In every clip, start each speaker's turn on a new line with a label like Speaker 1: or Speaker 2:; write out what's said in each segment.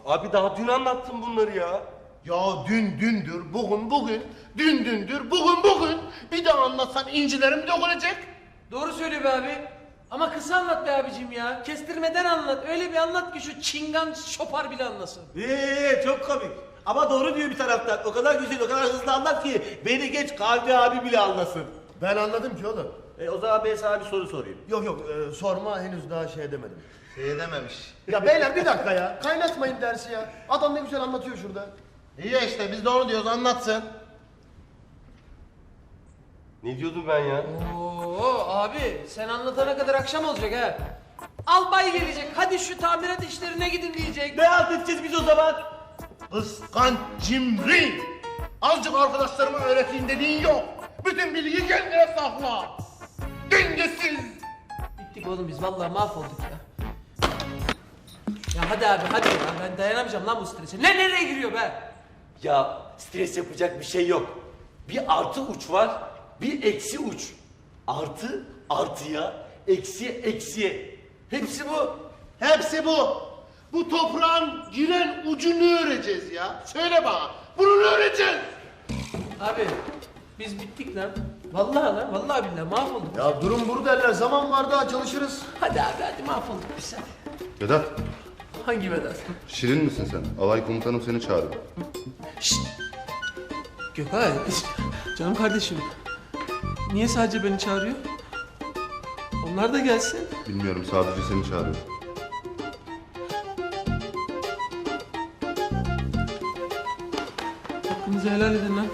Speaker 1: Abi daha dün anlattım bunları ya.
Speaker 2: Ya dün dündür, bugün bugün, dün dündür, bugün bugün. Bir daha anlatsan incilerim dökülecek.
Speaker 3: Doğru söylüyor be abi. Ama kısa anlat be abicim ya. Kestirmeden anlat. Öyle bir anlat ki şu çingan şopar bile anlasın.
Speaker 4: Çok komik. Ama doğru diyor bir taraftan. O kadar güzel, o kadar hızlı anlat ki beni geç Kalbi abi bile anlasın.
Speaker 2: Ben anladım ki oğlum.
Speaker 4: O zaman ben sana bir soru sorayım.
Speaker 2: Yok sorma, henüz daha şey edemedim.
Speaker 4: Dememiş.
Speaker 2: Ya beyler bir dakika ya. Kaynatmayın dersi ya. Adam ne güzel anlatıyor şurada. İyi ya işte biz de onu diyoruz, anlatsın.
Speaker 1: Ne diyordum ben ya?
Speaker 3: Oo abi sen anlatana kadar akşam olacak ha. Albay gelecek. Hadi şu tamirat işlerine gidin diyecek.
Speaker 4: Ne anlatacağız biz o zaman?
Speaker 2: Kıskanç cimri. Azıcık arkadaşlarıma öğreteyim dediğin yok. Bütün bilgiyi kendine sakla. Dengesiz.
Speaker 3: Bittik oğlum biz vallahi mahvolduk ya. Ya hadi abi hadi ya. Ben dayanamayacağım lan bu strese. Ne nereye giriyor be?
Speaker 1: Ya stres yapacak bir şey yok. Bir artı uç var, bir eksi uç. Artı artıya, eksi eksiye. Hepsi bu.
Speaker 2: Hepsi bu. Bu toprağın giren ucunu öreceğiz ya. Söyle bana. Bunu öğreteceğiz.
Speaker 3: Abi biz bittik lan. Vallahi lan vallahi billahi mahvolduk.
Speaker 2: Ya durum burada derler. Zaman var daha çalışırız.
Speaker 3: Hadi abi hadi mahvolduk biz hadi.
Speaker 5: Vedat,
Speaker 3: Hangi Vedat?
Speaker 5: şirin misin sen? Alay komutanım seni çağırıyor.
Speaker 3: Şşt! Gökay, canım kardeşim. Niye sadece beni çağırıyor? Onlar da gelsin.
Speaker 5: Bilmiyorum, sadece seni çağırıyor.
Speaker 3: Hakkınızı helal edin lan.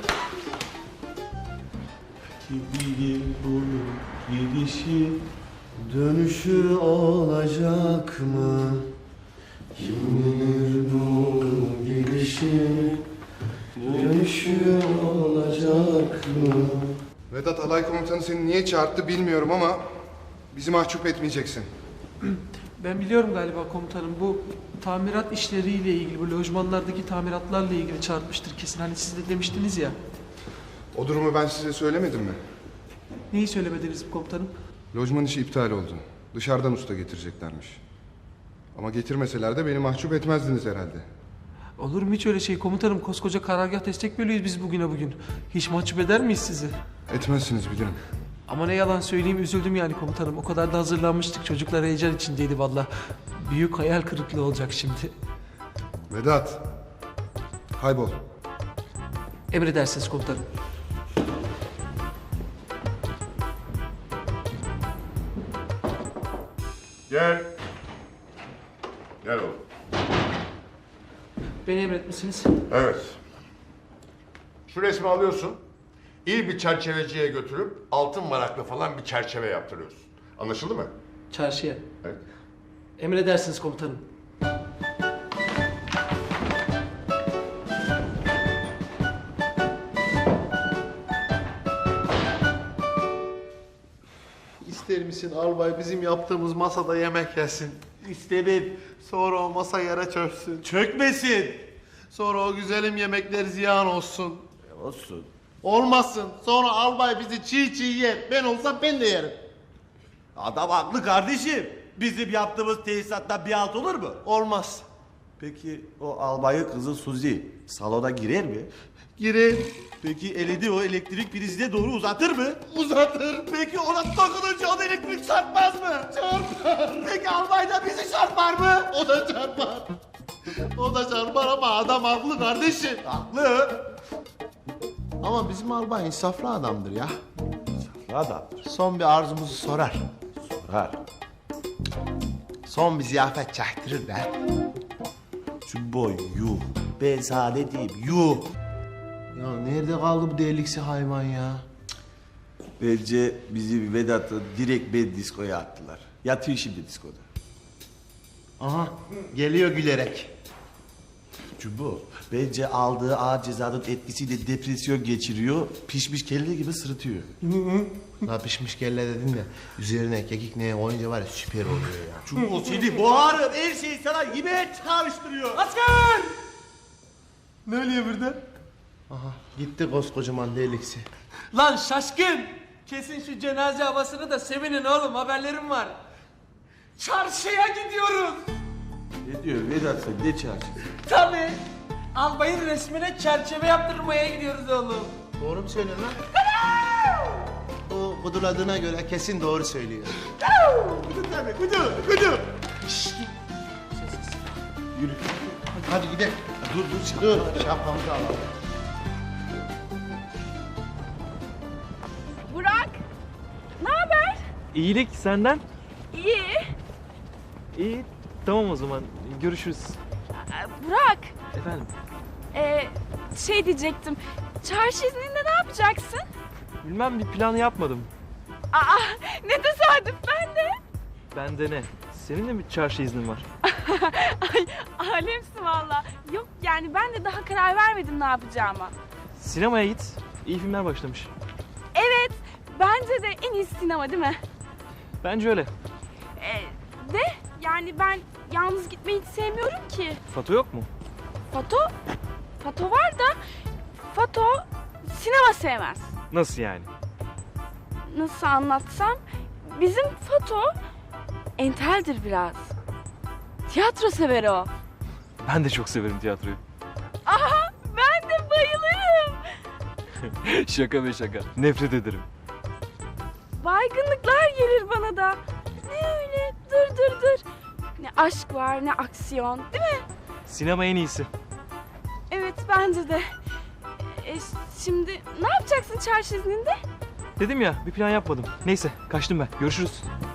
Speaker 4: Bilir bunun gidişi.
Speaker 2: Dönüşü olacak mı? Kim bilir bu gidişi? Dönüşü olacak mı?
Speaker 5: Vedat, alay komutanı seni niye çağırdı bilmiyorum ama bizi mahcup etmeyeceksin.
Speaker 3: Ben biliyorum galiba komutanım. Bu tamirat işleriyle ilgili, bu lojmanlardaki tamiratlarla ilgili çağırmıştır kesin. Hani siz de demiştiniz ya.
Speaker 5: O durumu ben size söylemedim mi?
Speaker 3: Neyi söylemediniz komutanım?
Speaker 5: Lojman işi iptal oldu. Dışarıdan usta getireceklermiş. Ama getirmeseler de beni mahcup etmezdiniz herhalde.
Speaker 3: Olur mu hiç öyle şey komutanım? Koskoca karargah destek bölüyoruz biz bugüne bugün. Hiç mahcup eder miyiz sizi?
Speaker 5: Etmezsiniz bilirim.
Speaker 3: Ama ne yalan söyleyeyim üzüldüm yani komutanım. O kadar da hazırlanmıştık. Çocuklar heyecan içindeydi valla. Büyük hayal kırıklığı olacak şimdi.
Speaker 5: Vedat, kaybol.
Speaker 3: Emredersiniz komutanım.
Speaker 6: Gel. Gel oğlum.
Speaker 3: Beni emretmişsiniz.
Speaker 6: Evet. Şu resmi alıyorsun. İyi bir çerçeveciye götürüp altın varaklı falan bir çerçeve yaptırıyorsun. Anlaşıldı mı?
Speaker 3: Çarşıya.
Speaker 6: Evet.
Speaker 3: Emredersiniz komutanım.
Speaker 2: İster misin albay bizim yaptığımız masada yemek yesin?
Speaker 4: İstemem.
Speaker 2: Sonra o masa yere çöksün.
Speaker 4: Çökmesin.
Speaker 2: Sonra o güzelim yemekler ziyan olsun.
Speaker 4: Olsun.
Speaker 2: Olmasın. Sonra albay bizi çiğ çiğ yer. Ben olsam ben de yerim.
Speaker 4: Adam haklı kardeşim. Bizim yaptığımız tesisattan bir alt olur mu?
Speaker 2: Olmaz.
Speaker 4: Peki o albayın kızı Suzi salona girer mi?
Speaker 2: Girer.
Speaker 4: Peki elini o elektrik prizine doğru uzatır mı?
Speaker 2: Uzatır.
Speaker 4: Peki ona dokununca o elektrik çarpmaz mı?
Speaker 2: Çarpar.
Speaker 4: Peki albay da bizi çarpar mı?
Speaker 2: O da çarpar. O da çarpar ama adam haklı kardeşim.
Speaker 4: Haklı.
Speaker 2: Ama bizim albay insaflı adamdır ya.
Speaker 4: Adamdır.
Speaker 2: Son bir arzumuzu sorar.
Speaker 4: Sorar.
Speaker 2: Son bir ziyafet çaktırır be.
Speaker 4: Cumbo yuh. Ben sana ne diyeyim yuh.
Speaker 2: Ya nerede kaldı bu deliksi hayvan ya?
Speaker 4: Bence bizi Vedat'ı direkt ben diskoya attılar. Yatıyor şimdi diskoda.
Speaker 2: Aha geliyor gülerek.
Speaker 4: Cumbo bence aldığı ağır cezanın etkisiyle depresyon geçiriyor. Pişmiş kelle gibi sırıtıyor.
Speaker 2: La pişmiş kelle dedin de üzerine kekik neye koyunca var ya süper oluyor ya.
Speaker 4: Cumbo seni boğarım. Her şeyi sana yemeğe çağrıştırıyor.
Speaker 3: Asker!
Speaker 2: Ne oluyor burada? Aha gitti koskocaman deliksi.
Speaker 3: Lan şaşkın! Kesin şu cenaze havasını da sevinin oğlum haberlerim var. Çarşıya gidiyoruz.
Speaker 4: Ne diyor Vedat sen ne çarşısı?
Speaker 3: Tabii. Albayın resmine çerçeve yaptırmaya gidiyoruz oğlum.
Speaker 2: Doğru mu söylüyorsun lan? O kuduladığına göre kesin doğru söylüyor. Kudu.
Speaker 4: Yürü.
Speaker 2: Hadi gidelim. Dur. Şapkamızı alalım.
Speaker 7: Burak, ne haber?
Speaker 8: İyilik senden.
Speaker 7: İyi.
Speaker 8: İyi. Tamam o zaman. Görüşürüz.
Speaker 7: Burak,
Speaker 8: Efendim.
Speaker 7: şey diyecektim. Çarşı izninde ne yapacaksın?
Speaker 8: Bilmem bir planı yapmadım.
Speaker 7: Aa, ne tesadüf ben de.
Speaker 8: Bende ne? Senin de mi çarşı iznin var?
Speaker 7: Ay, alemsin valla. Yok yani ben de daha karar vermedim ne yapacağıma.
Speaker 8: Sinemaya git. İyi filmler başlamış.
Speaker 7: Evet, bence de en iyi sinema değil mi?
Speaker 8: Bence öyle.
Speaker 7: De yani ben yalnız gitmeyi hiç sevmiyorum ki.
Speaker 8: Fato yok mu?
Speaker 7: Fato var da Fato sinema sevmez.
Speaker 8: Nasıl yani?
Speaker 7: Nasıl anlatsam? Bizim Fato enteldir biraz. Tiyatro sever o.
Speaker 8: Ben de çok severim tiyatroyu.
Speaker 7: Aha ben de bayılırım.
Speaker 8: Şaka be şaka. Nefret ederim.
Speaker 7: Baygınlıklar gelir bana da. Ne öyle dur. Ne aşk var ne aksiyon değil mi?
Speaker 8: Sinema en iyisi.
Speaker 7: Evet bence de. Şimdi ne yapacaksın çarşı izninde?
Speaker 8: Dedim ya bir plan yapmadım. Neyse kaçtım ben. Görüşürüz.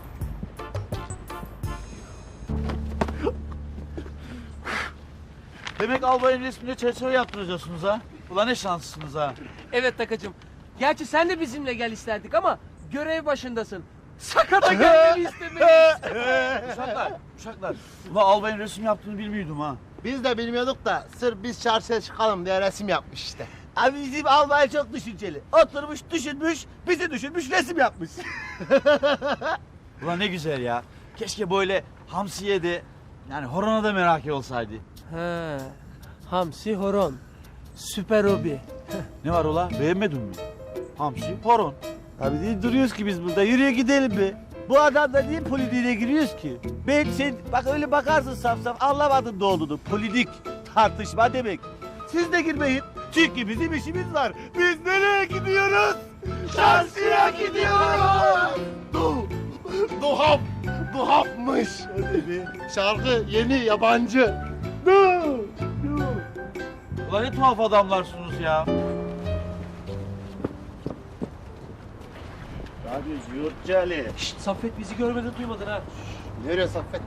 Speaker 9: Demek albayın resmine çerçeve yaptıracaksınız ha? Ulan ne şanslısınız ha?
Speaker 3: Evet Takacığım. Gerçi sen de bizimle gel isterdik ama görev başındasın. Sakata gelmeni istemeyiz.
Speaker 9: Uşaklar. Ulan albayın resim yaptığını bilmiyordum ha.
Speaker 2: Biz de bilmiyorduk da sırf biz çarşıya çıkalım diye resim yapmış işte.
Speaker 9: Abi bizim albay çok düşünceli. Oturmuş, düşünmüş, bizi düşünmüş, resim yapmış. Ulan ne güzel ya. Keşke böyle hamsiye de, yani horona da merak olsaydı.
Speaker 3: He. Hamsi horon. Süper hobi.
Speaker 9: Ne var ola? Beğenmedin mi? Hamsi, horon. Abi değil duruyoruz ki biz burada. Yürüye gidelim be. Bu adamla niye politiğine giriyoruz ki? Ben sen bak öyle bakarsın saf saf anlamadın ne olduğunu. Politik tartışma demek. Siz de girmeyin. Çünkü bizim işimiz var. Biz nereye gidiyoruz? Çarşıya gidiyoruz.
Speaker 2: Duhafmış. Şarkı yeni yabancı.
Speaker 9: Ulan ne tuhaf adamlarsınız ya. Abi Yurtcali.
Speaker 3: Şşt Saffet bizi görmeden duymadın ha.
Speaker 2: Nereye Saffet?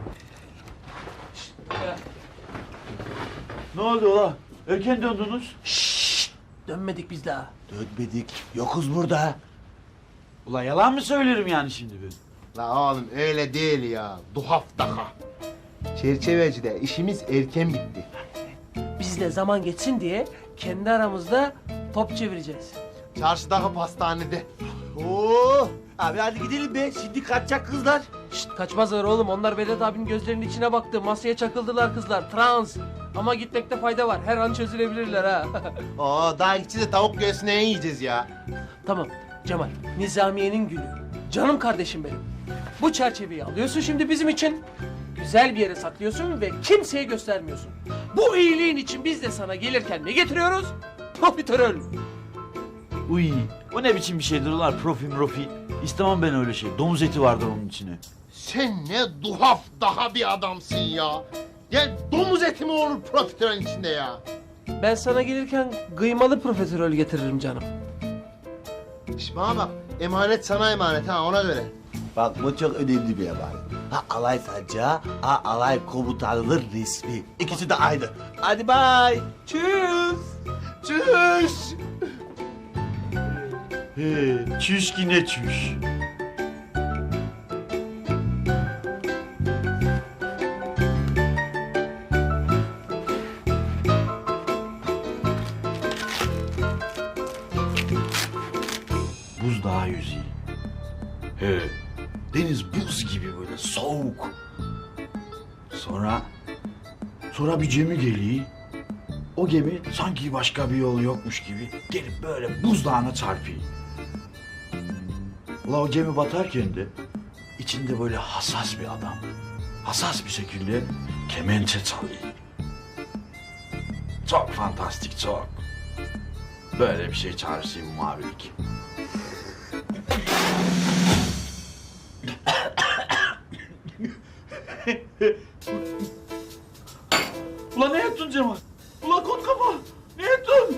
Speaker 9: Ne oldu ola? Erken döndünüz.
Speaker 3: Dönmedik biz daha.
Speaker 9: Dönmedik. Yokuz burada. Ulan yalan mı söylerim yani şimdi ben?
Speaker 2: La oğlum öyle değil ya. Duhaf daha. Çerçevecide işimiz erken bitti.
Speaker 3: Biz de zaman geçsin diye kendi aramızda top çevireceğiz.
Speaker 2: Çarşıdaki pastanede.
Speaker 9: Oo! Abi hadi gidelim be. Şimdi kaçacak kızlar.
Speaker 3: Şşt kaçmazlar oğlum. Onlar Vedat abinin gözlerinin içine baktı. Masaya çakıldılar kızlar. Trans. Ama gitmekte fayda var. Her an çözülebilirler ha.
Speaker 2: Oo daha gideceğiz de tavuk göğsüne yiyeceğiz ya.
Speaker 3: Tamam Cemal. Nizamiye'nin gülü. Canım kardeşim benim. Bu çerçeveyi alıyorsun şimdi bizim için. Güzel bir yere saklıyorsun ve kimseye göstermiyorsun. Bu iyiliğin için biz de sana gelirken ne getiriyoruz? Profiterol.
Speaker 9: Uy, o ne biçim bir şeydir ulan profi. İstemem ben öyle şey. Domuz eti vardır onun içine.
Speaker 2: Sen ne duhaf daha bir adamsın ya. Ya domuz eti mi olur profiterolün içinde ya?
Speaker 3: Ben sana gelirken kıymalı profiterol getiririm canım.
Speaker 2: İşte bana bak emanet sana emanet ha ona göre.
Speaker 4: Bak bu çok önemli bir haber. Ha alay sancağı, ha alay komutanının resmi. İkisi de aynı. Hadi bay.
Speaker 3: Tschüss.
Speaker 2: Çüş.
Speaker 9: He, çüş ki ne çüş. Buzdağı yüzeyi. He, deniz buz gibi böyle soğuk. Sonra bir gemi geliyor. O gemi sanki başka bir yol yokmuş gibi gelip böyle buzdağına çarpıyor. Ula o gemi batarken de içinde böyle hassas bir adam.
Speaker 10: hassas bir şekilde kemençe çalıyor. Çok fantastik, çok. Böyle bir şey çağrışayım mavilik. Ulan ne yaptın Cemal? Ulan kot kafa! Ne yaptın?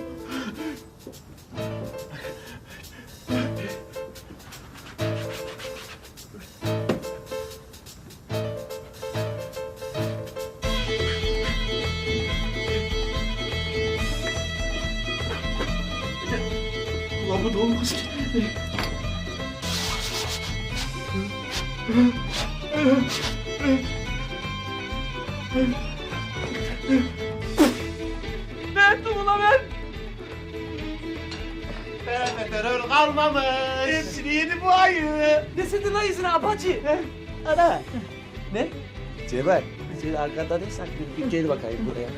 Speaker 10: Ulan bu da olmaz ki.
Speaker 3: Ne ettim ulan ben?
Speaker 2: Nerede terör kalmamış. Hepsini yedi bu ayı.
Speaker 3: Ne sedin lan yüzüne abacı?
Speaker 9: Ana. Ne? Cemal, sen arkada ne saklıyorsun? Bir gel bakayım buraya.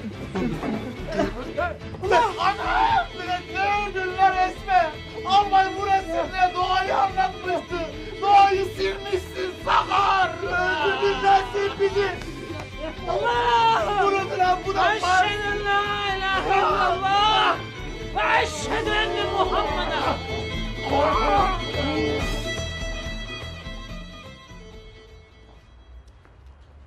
Speaker 2: Anam! Ne öldün lan Esme? Albay bu resimle doğayı anlatmıştı. Doğayı silmişsin sakar. Öldürdün lan sen bizi.
Speaker 3: Allah!
Speaker 2: Bunu lan bu da var.
Speaker 3: Eşhedü en la ilahe illallah ve eşhedü enne Muhammeden